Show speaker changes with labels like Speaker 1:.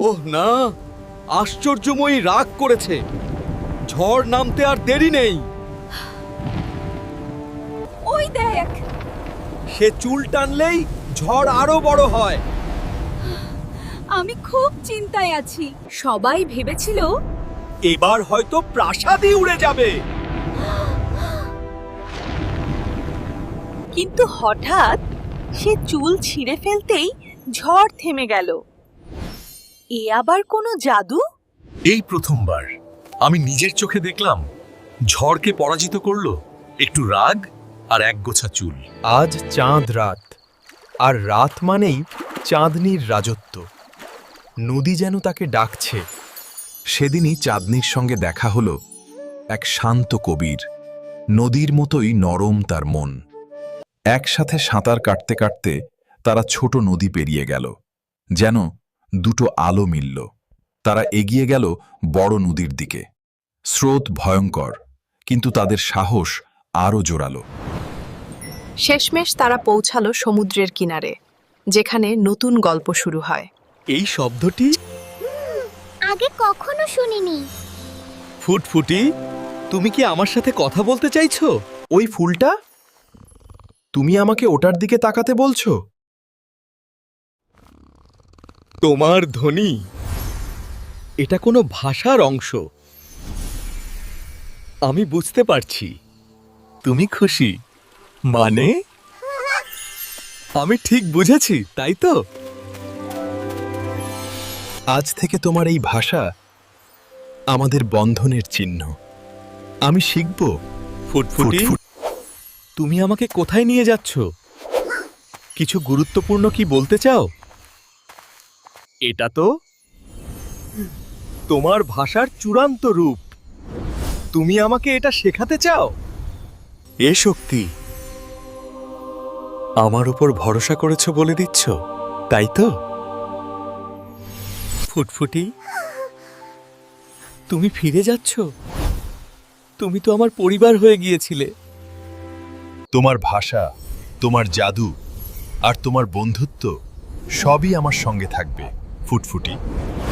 Speaker 1: ওহ না, আশ্চর্যময়ী রাগ করেছে। ঝড় নামতে আর দেরি নেই।
Speaker 2: ওই দেখ,
Speaker 1: সে চুল টানলেই ঝড় আরো বড় হয়।
Speaker 2: আমি খুব চিন্তায় আছি। সবাই ভেবেছিল
Speaker 1: এবার হয়তো প্রাসাদই উড়ে যাবে।
Speaker 2: কিন্তু হঠাৎ সে চুল ছিঁড়ে ফেলতেই ঝড় থেমে গেল। এ আবার কোনো জাদু?
Speaker 3: এই প্রথমবার আমি নিজের চোখে দেখলাম ঝড়কে পরাজিত করলো একটু রাগ আর একগোছা চুল।
Speaker 4: আজ চাঁদ রাত, আর রাত মানেই চাঁদনির রাজত্ব। নদী যেন তাকে ডাকছে।
Speaker 5: সেদিনই চাঁদনির সঙ্গে দেখা হলো এক শান্ত কবির। নদীর মতোই নরম তার মন। একসাথে সাঁতার কাটতে কাটতে তারা ছোট নদী পেরিয়ে গেল, যেন দুটো আলো মিলল। তারা এগিয়ে গেল বড় নদীর দিকে। স্রোত ভয়ঙ্কর, কিন্তু তাদের সাহস আরও জোরালো।
Speaker 6: শেষমেশ তারা পৌঁছালো সমুদ্রের কিনারে, যেখানে নতুন গল্প শুরু হয়।
Speaker 1: এই শব্দটি
Speaker 7: আগে কখনো শুনিনি।
Speaker 1: ফুটফুটি, তুমি কি আমার সাথে কথা বলতে চাইছো?
Speaker 4: ওই ফুলটা? তুমি আমাকে ওটার দিকে তাকাতে বলছো?
Speaker 1: তোমার ধ্বনি, এটা কোনো ভাষার অংশ। আমি বুঝতে পারছি তুমি খুশি। মানে আমি ঠিক বুঝেছি, তাই তো?
Speaker 4: আজ থেকে তোমার এই ভাষা আমাদের বন্ধনের চিহ্ন। আমি শিখব।
Speaker 1: ফুটফুটি, তুমি আমাকে কোথায় নিয়ে যাচ্ছ? কিছু গুরুত্বপূর্ণ কি বলতে চাও? এটা তো তোমার ভাষার চূড়ান্ত রূপ। তুমি আমাকে এটা শেখাতে চাও? এ শক্তি, আমার উপর ভরসা করেছো বলে দিচ্ছ, তাই তো? ফুটফুটি, তুমি ফিরে যাচ্ছ? তুমি তো আমার পরিবার হয়ে গিয়েছিলে।
Speaker 5: তোমার ভাষা, তোমার জাদু আর তোমার বন্ধুত্ব সবই আমার সঙ্গে থাকবে ফুটফুটি।